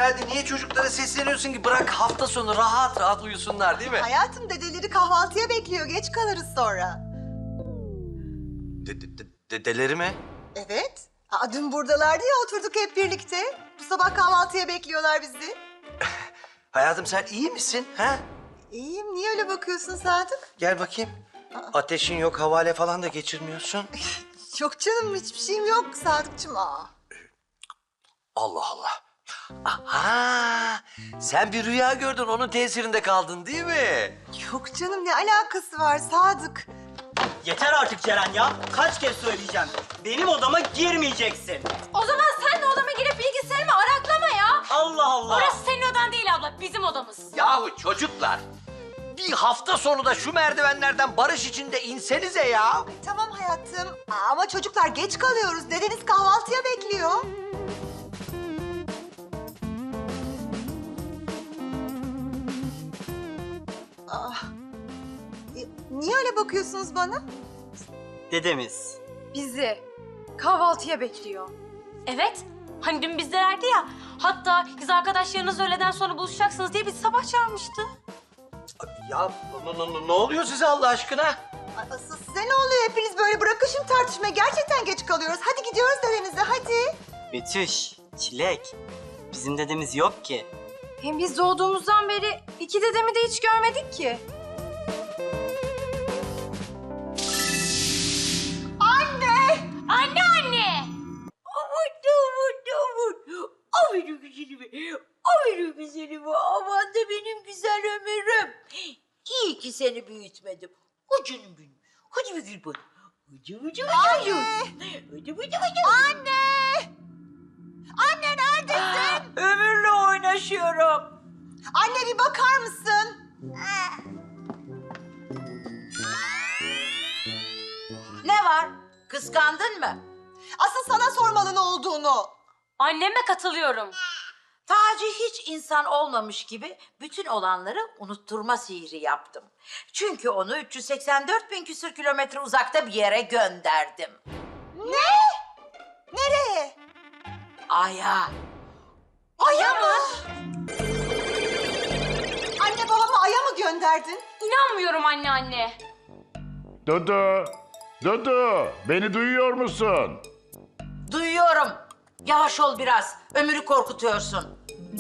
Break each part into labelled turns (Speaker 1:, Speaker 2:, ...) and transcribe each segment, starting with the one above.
Speaker 1: günaydın. Niye çocuklara sesleniyorsun ki? Bırak hafta sonu rahat rahat uyusunlar değil mi?
Speaker 2: Hayatım dedeleri kahvaltıya bekliyor. Geç kalırız sonra.
Speaker 1: Dedeleri mi?
Speaker 2: Evet. Dün buradalardı ya oturduk hep birlikte. Bu sabah kahvaltıya bekliyorlar bizi.
Speaker 1: Hayatım sen iyi misin? Ha?
Speaker 2: İyiyim. Niye öyle bakıyorsun Sadık?
Speaker 1: Gel bakayım. Ateşin yok, havale falan da geçirmiyorsun.
Speaker 2: Yok canım hiçbir şeyim yok Sadıkçım.
Speaker 1: Allah Allah. Aha! Sen bir rüya gördün, onun tesirinde kaldın değil mi?
Speaker 2: Yok canım ne alakası var Sadık?
Speaker 3: Yeter artık Ceren ya. Kaç kez söyleyeceğim. Benim odama girmeyeceksin.
Speaker 4: O zaman sen de odama girip bilgisayarımı araklama ya.
Speaker 3: Allah Allah.
Speaker 4: Orası senin odan değil abla, bizim odamız.
Speaker 1: Yahu çocuklar, bir hafta sonu da şu merdivenlerden barış içinde insenize ya.
Speaker 2: Tamam hayatım. Ama çocuklar geç kalıyoruz. Dedeniz kahvaltıya bekliyor. Niye öyle bakıyorsunuz bana?
Speaker 3: Dedemiz.
Speaker 4: Bizi kahvaltıya bekliyor. Evet, hani dün bizdelerdi ya. Hatta kız arkadaşlarınız öğleden sonra buluşacaksınız diye bizi sabah çağırmıştı.
Speaker 1: Ya ne oluyor size Allah aşkına?
Speaker 2: Asıl size ne oluyor? Hepiniz böyle bırakın şimdi tartışmayı. Gerçekten geç kalıyoruz. Hadi gidiyoruz dedenize hadi.
Speaker 3: Betüş, Çilek. Bizim dedemiz yok ki.
Speaker 4: Hem biz doğduğumuzdan beri iki dedemi de hiç görmedik ki. Anne!
Speaker 5: O benim güzelimi, o benim güzelimi. Aman da benim güzel ömürüm. İyi ki seni büyütmedim. O canım benim. Hadi bir gül bana. Hadi.
Speaker 2: Anne! Anne neredesin?
Speaker 5: Ömürle oynaşıyorum.
Speaker 2: Anne bir bakar mısın?
Speaker 5: Ne var? Kıskandın mı?
Speaker 2: Asıl sana sormalı ne olduğunu.
Speaker 4: Anneme katılıyorum.
Speaker 5: Taci hiç insan olmamış gibi bütün olanları unutturma sihri yaptım. Çünkü onu 384 bin küsür kilometre uzakta bir yere gönderdim.
Speaker 2: Ne? Nereye?
Speaker 5: Ay'a.
Speaker 2: Ay'a mı? Anne babamı Ay'a mı gönderdin?
Speaker 4: İnanmıyorum anne.
Speaker 6: Dudu, Dudu, beni duyuyor musun?
Speaker 5: Duyuyorum. Yavaş ol biraz. Ömür'ü korkutuyorsun.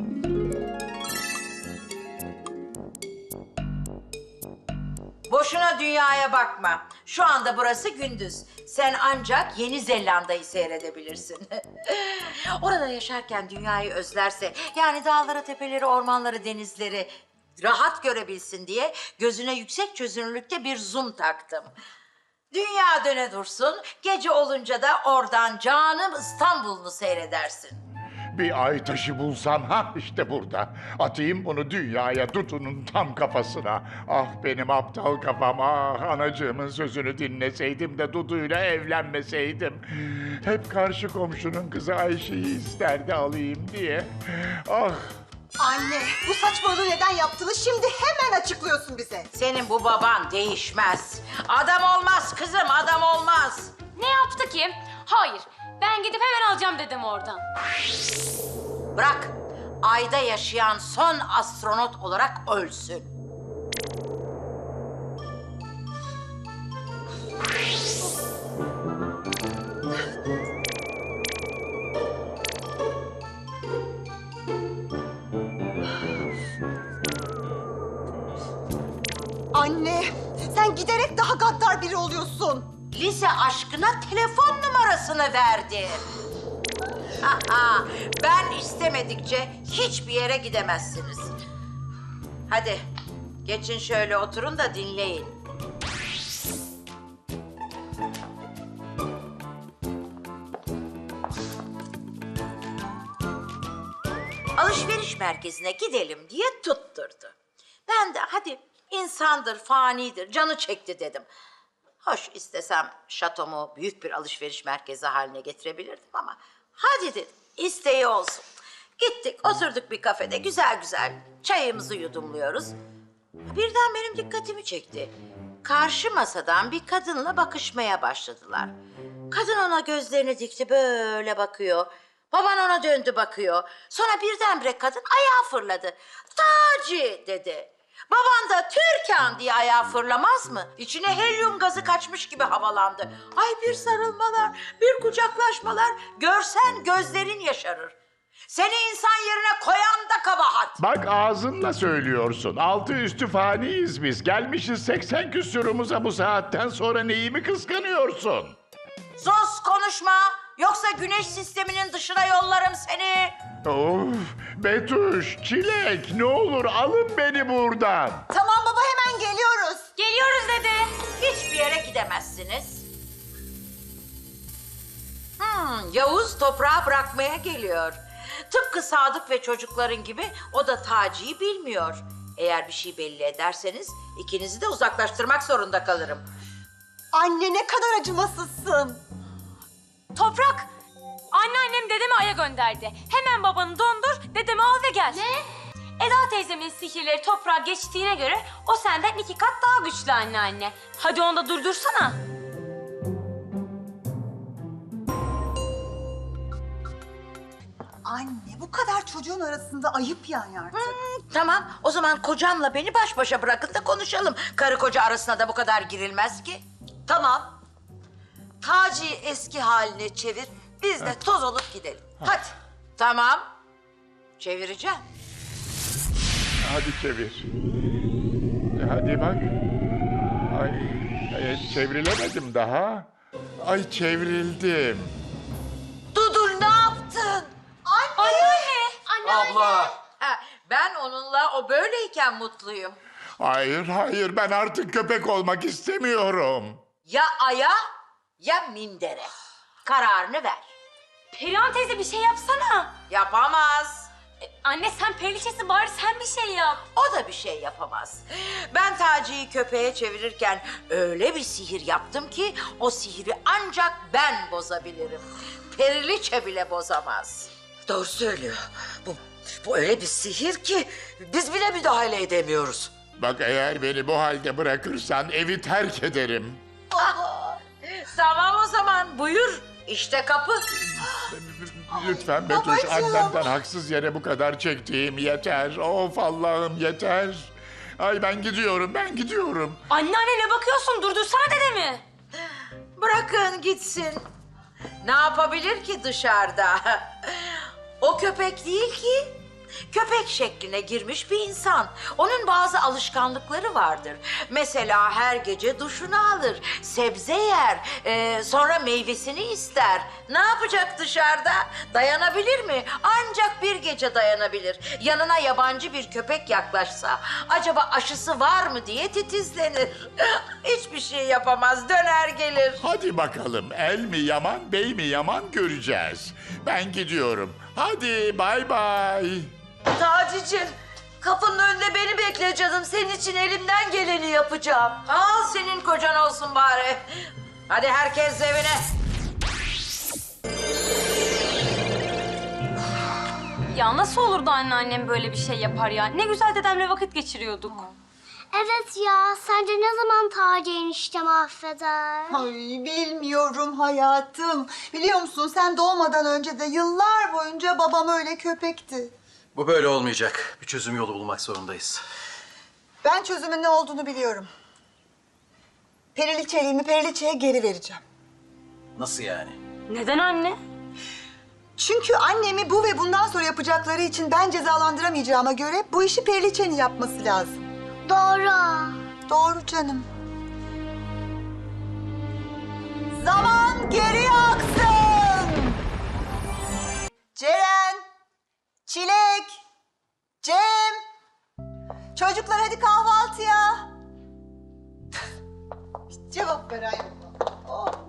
Speaker 5: Boşuna dünyaya bakma. Şu anda burası gündüz. Sen ancak Yeni Zelanda'yı seyredebilirsin. Orada yaşarken dünyayı özlerse, yani dağları, tepeleri, ormanları, denizleri rahat görebilsin diye gözüne yüksek çözünürlükte bir zoom taktım. Dünya döne dursun, gece olunca da oradan canım İstanbul'unu seyredersin.
Speaker 6: Bir ay taşı bulsam ha işte burada. Atayım bunu dünyaya, Dudu'nun tam kafasına. Ah benim aptal kafam, ah anacığımın sözünü dinleseydim de Dudu'yla evlenmeseydim. Hep karşı komşunun kızı Ayşe'yi isterdi alayım diye. Ah.
Speaker 2: Anne bu saçmalığı neden yaptığını şimdi hemen açıklıyorsun bize.
Speaker 5: Senin bu baban değişmez. Adam olmaz kızım, adam olmaz.
Speaker 4: Ne yaptı ki? Hayır, ben gidip hemen alacağım dedemi oradan.
Speaker 5: Bırak, ayda yaşayan son astronot olarak ölsün.
Speaker 2: Anne sen giderek daha gaddar biri oluyorsun.
Speaker 5: Lise aşkına telefon numarasını verdi. Ben istemedikçe hiçbir yere gidemezsiniz. Hadi geçin şöyle oturun da dinleyin. Alışveriş merkezine gidelim diye tutturdu. Ben de hadi insandır, fanidir, canı çekti dedim. Hoş istesem şatomu büyük bir alışveriş merkezi haline getirebilirdim ama hadi dedim, isteği olsun. Gittik, oturduk bir kafede güzel güzel çayımızı yudumluyoruz. Birden benim dikkatimi çekti. Karşı masadan bir kadınla bakışmaya başladılar. Kadın ona gözlerini dikti, böyle bakıyor. Baban ona döndü bakıyor. Sonra birdenbire kadın ayağa fırladı. Taci dedi. Baban da Türkan diye ayağa fırlamaz mı? İçine helyum gazı kaçmış gibi havalandı. Ay bir sarılmalar, bir kucaklaşmalar. Görsen gözlerin yaşarır. Seni insan yerine koyan da kabahat.
Speaker 6: Bak ağzınla söylüyorsun. Altı üstü faniyiz biz. Gelmişiz 80 küsurumuza bu saatten sonra neyi mi kıskanıyorsun?
Speaker 5: Sus konuşma. Yoksa güneş sisteminin dışına yollarım seni.
Speaker 6: Of, Betüş, Çilek ne olur alın beni buradan.
Speaker 2: Tamam baba hemen geliyoruz.
Speaker 4: Geliyoruz dede.
Speaker 5: Hiçbir yere gidemezsiniz. Yavuz toprağı bırakmaya geliyor. Tıpkı Sadık ve çocukların gibi o da Taci'yi bilmiyor. Eğer bir şey belli ederseniz ikinizi de uzaklaştırmak zorunda kalırım.
Speaker 2: Anne ne kadar acımasızsın.
Speaker 4: Toprak, anneannem dedemi Ay'a gönderdi. Hemen babanı dondur, dedemi al ve gel. Ne? Eda teyzemin sihirleri toprağa geçtiğine göre o senden 2 kat daha güçlü anneanne. Hadi onu da durdursana.
Speaker 2: Anne bu kadar çocuğun arasında ayıp yani artık.
Speaker 5: Tamam, o zaman kocamla beni baş başa bırakın da konuşalım. Karı koca arasına da bu kadar girilmez ki.
Speaker 7: Tamam. Taci'yi eski haline çevir. Biz de toz olup gidelim. Hadi.
Speaker 5: Tamam, çevireceğim.
Speaker 6: Hadi çevir. Hadi bak. Ay, çevrilemedim daha. Ay çevrildim.
Speaker 7: Dudur ne yaptın?
Speaker 1: Abla.
Speaker 5: Ha, ben onunla o böyleyken mutluyum.
Speaker 6: Hayır, hayır ben artık köpek olmak istemiyorum.
Speaker 5: Ya aya ya mindere. Kararını ver.
Speaker 4: Perihan teyze bir şey yapsana.
Speaker 5: Yapamaz.
Speaker 4: Anne sen periliçesin, bari sen bir şey yap.
Speaker 5: O da bir şey yapamaz. Ben Taci'yi köpeğe çevirirken öyle bir sihir yaptım ki o sihri ancak ben bozabilirim. Periliçe bile bozamaz.
Speaker 7: Doğru söylüyor. Bu öyle bir sihir ki biz bile müdahale edemiyoruz.
Speaker 6: Bak eğer beni bu halde bırakırsan evi terk ederim.
Speaker 5: Tamam o zaman buyur. İşte kapı.
Speaker 6: Lütfen Betüş, annemden haksız yere bu kadar çektiğim yeter. Of Allah'ım yeter. Ay ben gidiyorum.
Speaker 4: Anneanne ne bakıyorsun? Durdursana dedemi.
Speaker 5: Bırakın gitsin. Ne yapabilir ki dışarıda? O köpek değil ki. Köpek şekline girmiş bir insan. Onun bazı alışkanlıkları vardır. Mesela her gece duşunu alır, sebze yer, sonra meyvesini ister. Ne yapacak dışarıda? Dayanabilir mi? Ancak bir gece dayanabilir. Yanına yabancı bir köpek yaklaşsa, acaba aşısı var mı diye titizlenir. Hiçbir şey yapamaz, döner gelir.
Speaker 6: Hadi bakalım el mi yaman bey mi yaman göreceğiz. Ben gidiyorum. Hadi bay bay.
Speaker 7: Taci'cim kapının önünde beni bekle canım. Senin için elimden geleni yapacağım.
Speaker 5: Al senin kocan olsun bari. Hadi herkes evine.
Speaker 4: Ya nasıl olurdu anneannem böyle bir şey yapar ya? Ne güzel dedemle vakit geçiriyorduk.
Speaker 8: Evet ya, sence ne zaman Taci eniştem affeder?
Speaker 2: Ay bilmiyorum hayatım. Biliyor musun sen doğmadan önce de yıllar boyunca babam öyle köpekti.
Speaker 9: Bu böyle olmayacak. Bir çözüm yolu bulmak zorundayız.
Speaker 2: Ben çözümün ne olduğunu biliyorum. Periliçeliğimi Periliçe'ye geri vereceğim.
Speaker 9: Nasıl yani?
Speaker 4: Neden anne?
Speaker 2: Çünkü annemi bu ve bundan sonra yapacakları için ben cezalandıramayacağıma göre bu işi Periliçe'nin yapması lazım.
Speaker 8: Doğru.
Speaker 2: Doğru canım. Zaman geri aksın. Ceren, Çilek, Cem. Çocuklar hadi kahvaltıya. Cevap ver ayol. Oh.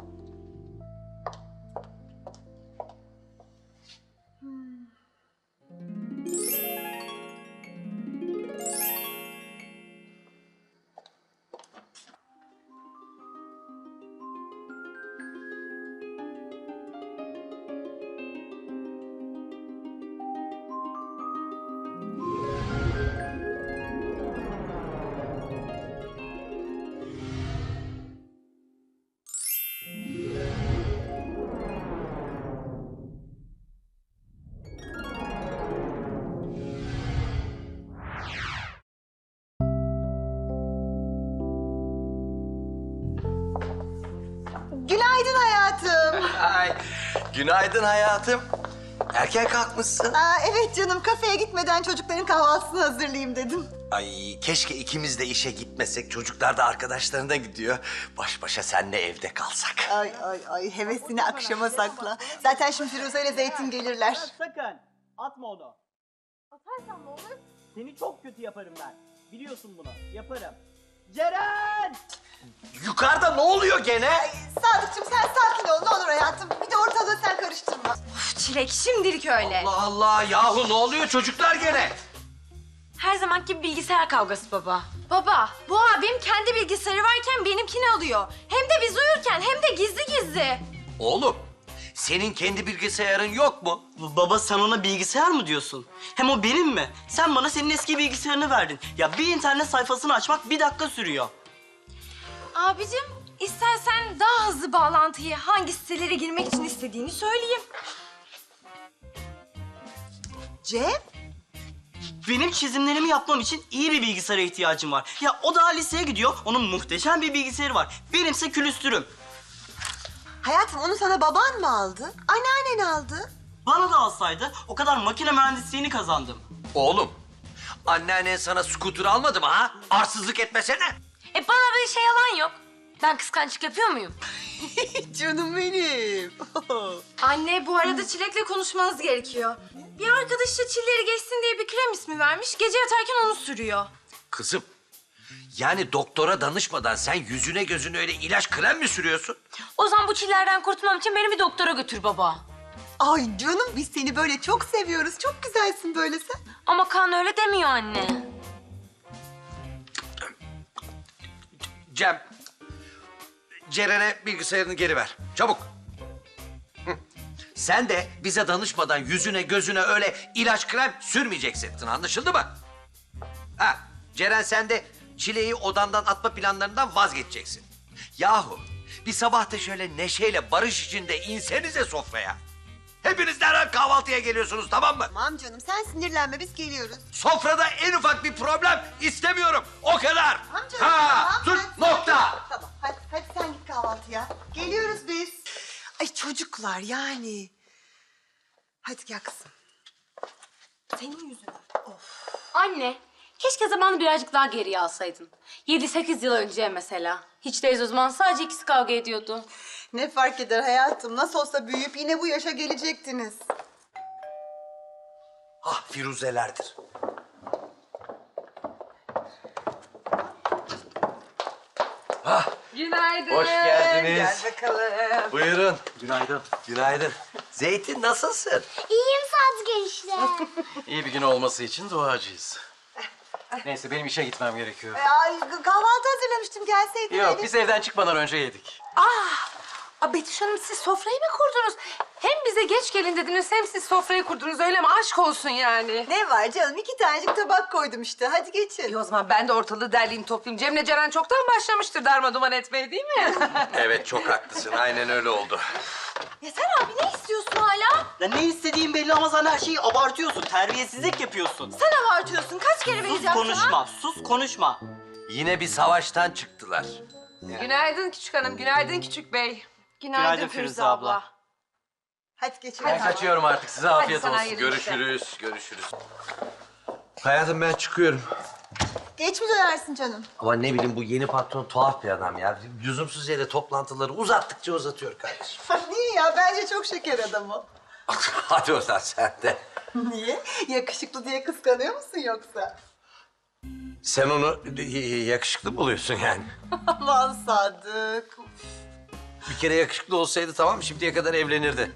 Speaker 1: Günaydın hayatım. Erken kalkmışsın.
Speaker 2: Aa, evet canım, kafeye gitmeden çocukların kahvaltısını hazırlayayım dedim.
Speaker 1: Ay keşke ikimiz de işe gitmesek. Çocuklar da arkadaşlarına gidiyor. Baş başa senle evde kalsak.
Speaker 2: Ay, hevesini akşama sakla. Zaten şimdi Firuze ile Zeytin gelirler.
Speaker 3: Sakın atma onu. Atarsam ne olur? Seni çok kötü yaparım ben. Biliyorsun bunu. Yaparım. Ceren!
Speaker 1: Yukarıda ne oluyor gene?
Speaker 2: Sadıkçım sen sakin ol ne olur hayatım. Bir de ortalığı sen karıştırma.
Speaker 4: Çilek şimdilik öyle.
Speaker 1: Allah Allah yahu ne oluyor çocuklar gene?
Speaker 4: Her zamanki bilgisayar kavgası baba. Baba, bu abim kendi bilgisayarı varken benimkini alıyor. Hem de biz uyurken hem de gizli gizli.
Speaker 1: Oğlum senin kendi bilgisayarın yok mu?
Speaker 3: Baba sen ona bilgisayar mı diyorsun? Hem o benim mi? Sen bana senin eski bilgisayarını verdin. Ya bir internet sayfasını açmak 1 dakika sürüyor.
Speaker 4: Abicim, istersen daha hızlı bağlantıyı hangi sitelere girmek için istediğini söyleyeyim.
Speaker 2: Cem?
Speaker 3: Benim çizimlerimi yapmam için iyi bir bilgisayara ihtiyacım var. Ya o daha liseye gidiyor, onun muhteşem bir bilgisayarı var. Benimse külüstürüm.
Speaker 2: Hayatım onu sana baban mı aldı? Anneannen aldı.
Speaker 3: Bana da alsaydı o kadar makine mühendisliğini kazandım.
Speaker 1: Oğlum anneannen sana scooter almadı mı ha? Arsızlık etmesene.
Speaker 4: Bana böyle şey yalan yok. Ben kıskançlık yapıyor muyum?
Speaker 2: Canım benim.
Speaker 4: Anne, bu arada Çilek'le konuşmanız gerekiyor. Bir arkadaşı çilleri geçsin diye bir krem ismi vermiş. Gece yatarken onu sürüyor.
Speaker 1: Kızım yani doktora danışmadan sen yüzüne gözüne öyle ilaç krem mi sürüyorsun?
Speaker 4: O zaman bu çillerden kurtulmam için beni bir doktora götür baba.
Speaker 2: Ay canım biz seni böyle çok seviyoruz. Çok güzelsin böyle sen.
Speaker 4: Ama kan öyle demiyor anne.
Speaker 1: Cem, Ceren'e bilgisayarını geri ver. Çabuk. Hı. Sen de bize danışmadan yüzüne gözüne öyle ilaç krem sürmeyeceksin. Anlaşıldı mı? Ha, Ceren sen de Çile'yi odandan atma planlarından vazgeçeceksin. Yahu bir sabah da şöyle neşeyle barış içinde insenize sofraya. Hepiniz derhal kahvaltıya geliyorsunuz tamam mı?
Speaker 2: Tamam canım sen sinirlenme biz geliyoruz.
Speaker 1: Sofrada en ufak bir problem istemiyorum. O kadar.
Speaker 2: Tamam canım.
Speaker 1: Ha,
Speaker 2: tamam,
Speaker 1: sus,
Speaker 2: ben-
Speaker 1: nokta.
Speaker 2: Tamam hadi sen git kahvaltıya. Geliyoruz biz. Ay çocuklar yani. Hadi gel kızım. Senin yüzünden.
Speaker 4: Anne, keşke zamanı birazcık daha geriye alsaydın. 7-8 yıl önce mesela. Hiç değilse o zaman sadece ikisi kavga ediyordu.
Speaker 2: Ne fark eder hayatım? Nasıl olsa büyüyüp yine bu yaşa gelecektiniz.
Speaker 1: Ah Firuzelerdir. Ah,
Speaker 2: Günaydın.
Speaker 1: hoş geldiniz.
Speaker 2: Gel bakalım.
Speaker 1: Buyurun.
Speaker 9: Günaydın.
Speaker 1: Günaydın. Zeytin nasılsın?
Speaker 8: İyiyim Sadık enişte.
Speaker 9: İyi bir gün olması için duacıyız. Neyse benim işe gitmem gerekiyor.
Speaker 2: Ay kahvaltı hazırlamıştım gelseydin.
Speaker 9: Yok
Speaker 2: Elif.
Speaker 9: biz evden çıkmadan önce yedik.
Speaker 10: Betüş Hanım siz sofrayı mı kurdunuz? Hem bize geç gelin dediniz hem siz sofrayı kurdunuz öyle mi? Aşk olsun yani.
Speaker 2: Ne var canım? 2 tanecik tabak koydum işte. Hadi geçin.
Speaker 10: O zaman ben de ortalığı derleyeyim toplayayım. Cem'le Ceren çoktan başlamıştır darmaduman etmeye değil mi?
Speaker 1: Evet çok haklısın. Aynen öyle oldu.
Speaker 4: Ya sen abi ne istiyorsun hala?
Speaker 3: Ya ne istediğin belli ama sen her şeyi abartıyorsun. Terbiyesizlik yapıyorsun.
Speaker 4: Sen abartıyorsun. Kaç kere
Speaker 3: Sus
Speaker 4: vereceğim
Speaker 3: konuşma, sus konuşma.
Speaker 1: Yine bir savaştan çıktılar.
Speaker 10: Günaydın küçük hanım, günaydın küçük bey.
Speaker 3: Günaydın Firuze abla.
Speaker 2: Hadi geçin.
Speaker 9: Ben kaçıyorum artık. Size afiyet
Speaker 10: sana
Speaker 9: olsun.
Speaker 10: hayırlı işler.
Speaker 1: Görüşürüz. Hayatım ben çıkıyorum.
Speaker 2: Geç mi dönersin canım?
Speaker 1: Ama ne bileyim bu yeni patron tuhaf bir adam ya. Lüzumsuz yere toplantıları uzattıkça uzatıyor kardeşim.
Speaker 2: Niye ya? Bence çok şeker adam o.
Speaker 1: Hadi oradan sen de.
Speaker 2: Niye? Yakışıklı diye kıskanıyor musun yoksa?
Speaker 1: Sen onu yakışıklı buluyorsun yani.
Speaker 2: Aman Sadık.
Speaker 1: Bir kere yakışıklı olsaydı tamam şimdiye kadar evlenirdi.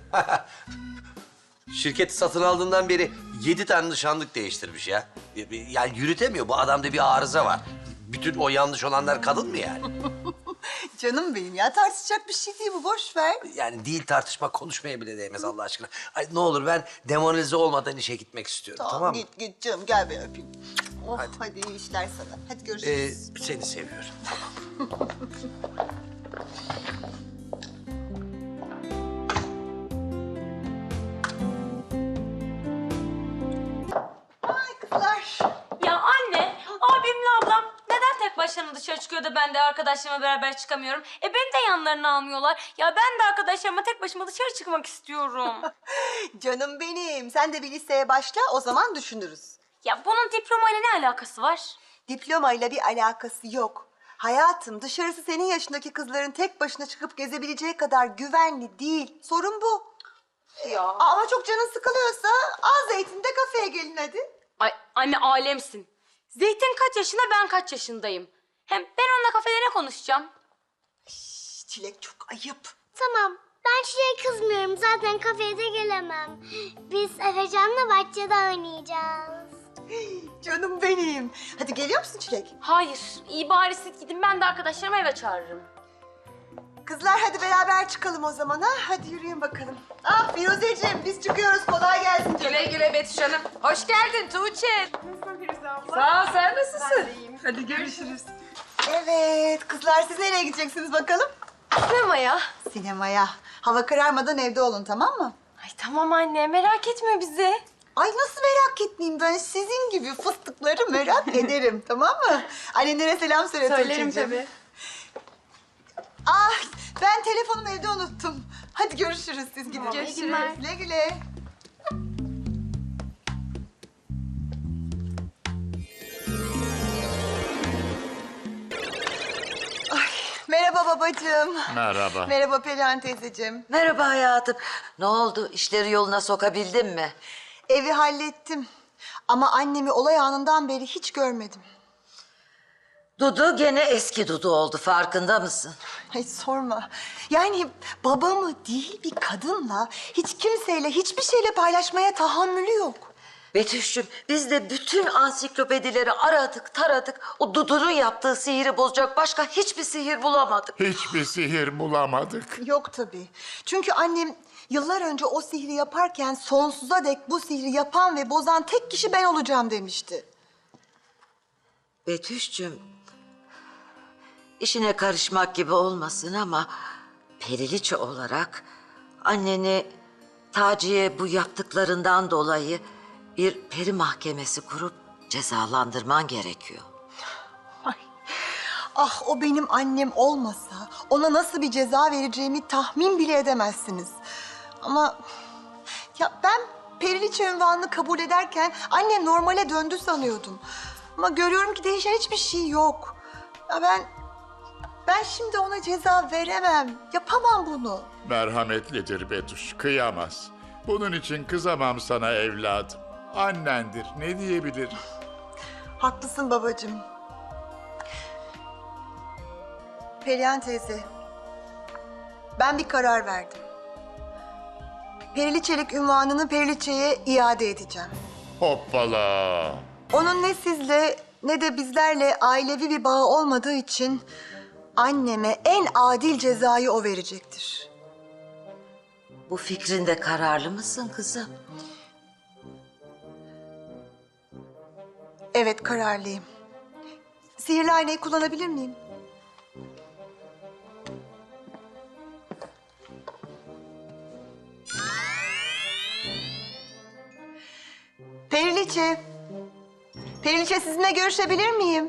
Speaker 1: Şirketi satın aldığından beri 7 tane nişanlık değiştirmiş ya. Yani yürütemiyor. Bu adamda bir arıza var. Bütün o yanlış olanlar kadın mı yani?
Speaker 2: Canım benim ya tartışacak bir şey değil bu boş ver.
Speaker 1: Yani değil tartışma konuşmaya bile değmez Allah aşkına. Ay ne olur ben demoralize olmadan işe gitmek istiyorum tamam mı?
Speaker 2: Git canım gel ben öpeyim. Oh, hadi iyi işler sana. Hadi görüşürüz.
Speaker 1: Seni seviyorum.
Speaker 2: Ay kızlar.
Speaker 4: Ya anne, abimle ablam neden tek başlarına dışarı çıkıyor da ben de arkadaşlarımla beraber çıkamıyorum. Beni de yanlarına almıyorlar. Ya ben de arkadaşlarıma tek başıma dışarı çıkmak istiyorum.
Speaker 2: Canım benim. Sen de bir liseye başla, o zaman düşünürüz.
Speaker 4: Ya bunun diplomayla ne alakası var?
Speaker 2: Diplomayla bir alakası yok. Hayatım, dışarısı senin yaşındaki kızların tek başına çıkıp gezebileceği kadar güvenli değil. Sorun bu.
Speaker 10: Ya.
Speaker 2: Ama çok canın sıkılıyorsa al Zeytin'de kafeye gelin hadi.
Speaker 4: Ay anne alemsin. Zeytin kaç yaşında, ben kaç yaşındayım? Hem ben onunla kafede ne konuşacağım?
Speaker 2: Çilek çok ayıp.
Speaker 8: Tamam. Ben Çilek'e kızmıyorum. Zaten kafeye de gelemem. Biz Efecan'la bahçede oynayacağız.
Speaker 2: Canım benim. Hadi geliyor musun Çilek?
Speaker 4: Hayır, iyi bari siz gidin, ben de arkadaşlarımı eve çağırırım.
Speaker 2: Kızlar hadi beraber çıkalım o zaman ha. Hadi yürüyün bakalım. Ah Firuzeciğim biz çıkıyoruz. Kolay gelsin canım.
Speaker 10: Güle güle Betüş Hanım. Hoş geldin Tuğçe. Nasılsın Firuze abla? Sağ ol, sen nasılsın? İyiyim. Hadi görüşürüz.
Speaker 2: Evet kızlar siz nereye gideceksiniz bakalım?
Speaker 4: Sinemaya.
Speaker 2: Sinemaya. Hava kararmadan evde olun tamam mı?
Speaker 4: Ay tamam anne, merak etme bizi.
Speaker 2: Ay nasıl merak etmeyeyim ben sizin gibi fıstıkları merak ederim tamam mı? Annenlere selam söyle
Speaker 10: Söylerim
Speaker 2: Tuğçe'cim.
Speaker 10: tabii.
Speaker 2: Ah ben telefonumu evde unuttum. Hadi görüşürüz siz gidin.
Speaker 10: Görüşürüz.
Speaker 2: Güle güle. Ay, merhaba babacığım.
Speaker 6: Merhaba.
Speaker 2: Merhaba Perihan teyzeciğim.
Speaker 7: Merhaba hayatım. Ne oldu? İşleri yoluna sokabildin mi?
Speaker 2: Evi hallettim. Ama annemi olay anından beri hiç görmedim.
Speaker 7: Dudu gene eski Dudu oldu. Farkında mısın?
Speaker 2: Ay sorma. Yani babamı değil bir kadınla hiç kimseyle hiçbir şeyle paylaşmaya tahammülü yok.
Speaker 7: Betüş'cüğüm biz de bütün ansiklopedileri aradık taradık. O Dudu'nun yaptığı sihiri bozacak başka hiçbir sihir bulamadık.
Speaker 6: Hiçbir sihir bulamadık.
Speaker 2: Yok tabii. Çünkü annem yıllar önce o sihri yaparken sonsuza dek bu sihri yapan ve bozan tek kişi ben olacağım demişti.
Speaker 7: Betüş'cüğüm işine karışmak gibi olmasın ama periliçe olarak anneni Taci'ye bu yaptıklarından dolayı bir peri mahkemesi kurup cezalandırman gerekiyor.
Speaker 2: Ay. Ah o benim annem olmasa ona nasıl bir ceza vereceğimi tahmin bile edemezsiniz. Ama ya ben periliçe unvanını kabul ederken annem normale döndü sanıyordum. Ama görüyorum ki değişen hiçbir şey yok. Ya ben şimdi ona ceza veremem. Yapamam bunu.
Speaker 6: Merhametlidir Betüş, kıyamaz. Bunun için kızamam sana evladım. Annendir, ne diyebilir?
Speaker 2: Haklısın babacığım. Perihan teyze, ben bir karar verdim. Periliçelik unvanını Periliçe'ye iade edeceğim.
Speaker 6: Hoppala!
Speaker 2: Onun ne sizle ne de bizlerle ailevi bir bağı olmadığı için anneme en adil cezayı o verecektir.
Speaker 7: Bu fikrinde kararlı mısın kızım?
Speaker 2: Evet kararlıyım. Sihirli aynayı kullanabilir miyim? Periliçe. Periliçe sizinle görüşebilir miyim?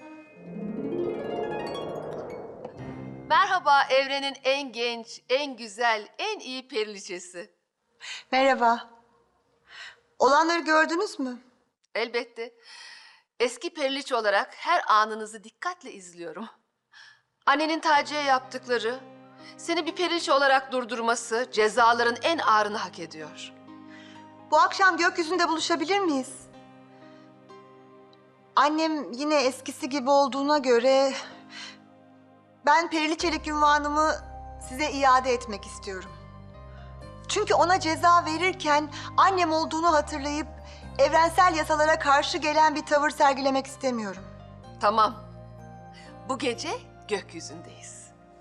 Speaker 11: Merhaba evrenin en genç, en güzel, en iyi periliçesi.
Speaker 2: Merhaba. Olanları gördünüz mü?
Speaker 11: Elbette. Eski periliçe olarak her anınızı dikkatle izliyorum. Annenin Taci'ye yaptıkları, seni bir periliçe olarak durdurması cezaların en ağırını hak ediyor.
Speaker 2: Bu akşam gökyüzünde buluşabilir miyiz? Annem yine eskisi gibi olduğuna göre ben periliçelik unvanımı size iade etmek istiyorum. Çünkü ona ceza verirken annem olduğunu hatırlayıp evrensel yasalara karşı gelen bir tavır sergilemek istemiyorum.
Speaker 11: Tamam. Bu gece gökyüzündeyiz.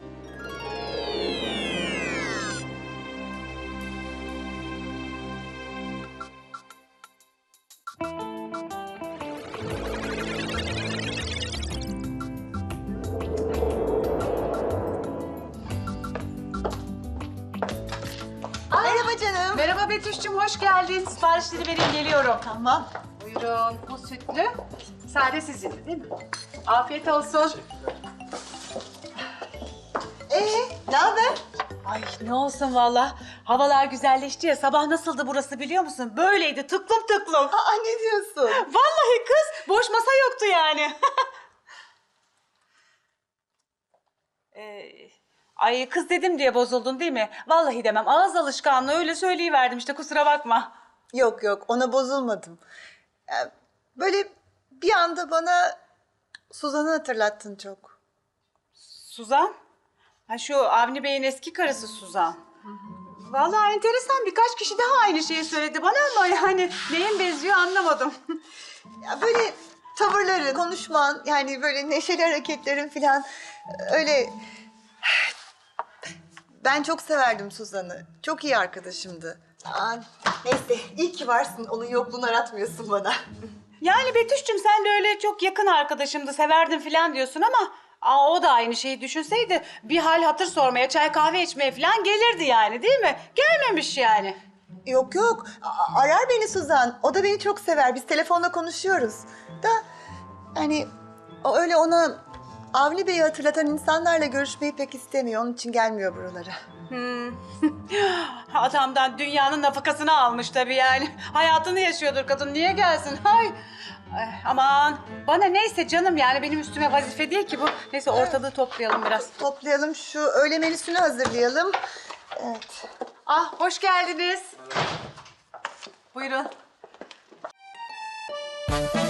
Speaker 2: Merhaba canım.
Speaker 10: Merhaba Betüş'cüğüm, hoş geldin. Siparişleri vereyim, geliyorum.
Speaker 2: Tamam.
Speaker 10: Buyurun, bu sütlü. Sade sizin değil mi? Afiyet olsun.
Speaker 2: Ne haber?
Speaker 12: Ay ne olsun valla. Havalar güzelleşti ya. Sabah nasıldı burası biliyor musun? Böyleydi tıklım tıklım.
Speaker 2: Aa, ne diyorsun?
Speaker 12: Vallahi kız boş masa yoktu yani. Ay kız dedim diye bozuldun değil mi? Vallahi demem. Ağız alışkanlığı öyle söyleyiverdim işte kusura bakma.
Speaker 2: Yok yok, ona bozulmadım. Böyle bir anda bana Suzan'ı hatırlattın çok.
Speaker 12: Suzan? Ha şu Avni Bey'in eski karısı Suzan. Vallahi enteresan birkaç kişi daha aynı şeyi söyledi bana ama yani neyin benziyor anlamadım.
Speaker 2: Ya böyle tavırların, konuşman, yani böyle neşeli hareketlerin falan öyle... Ben çok severdim Suzan'ı. Çok iyi arkadaşımdı. Neyse, iyi ki varsın. Onun yokluğunu aratmıyorsun bana.
Speaker 12: Yani Betüş'cüm sen de öyle çok yakın arkadaşımdı, severdim falan diyorsun ama... o da aynı şeyi düşünseydi bir hal hatır sormaya, çay kahve içmeye falan gelirdi yani değil mi? Gelmemiş yani.
Speaker 2: Yok yok, arar beni Suzan. O da beni çok sever. Biz telefonla konuşuyoruz. Da yani o öyle ona Avni Bey'i hatırlatan insanlarla görüşmeyi pek istemiyor. Onun için gelmiyor buralara.
Speaker 12: Adamdan dünyanın nafakasını almış tabii yani. Hayatını yaşıyordur kadın, niye gelsin? Ay, aman bana neyse canım yani benim üstüme vazife değil ki bu. Neyse ortalığı toplayalım biraz.
Speaker 2: Toplayalım, şu öğle menüsünü hazırlayalım. Evet.
Speaker 12: Ah hoş geldiniz. Buyurun.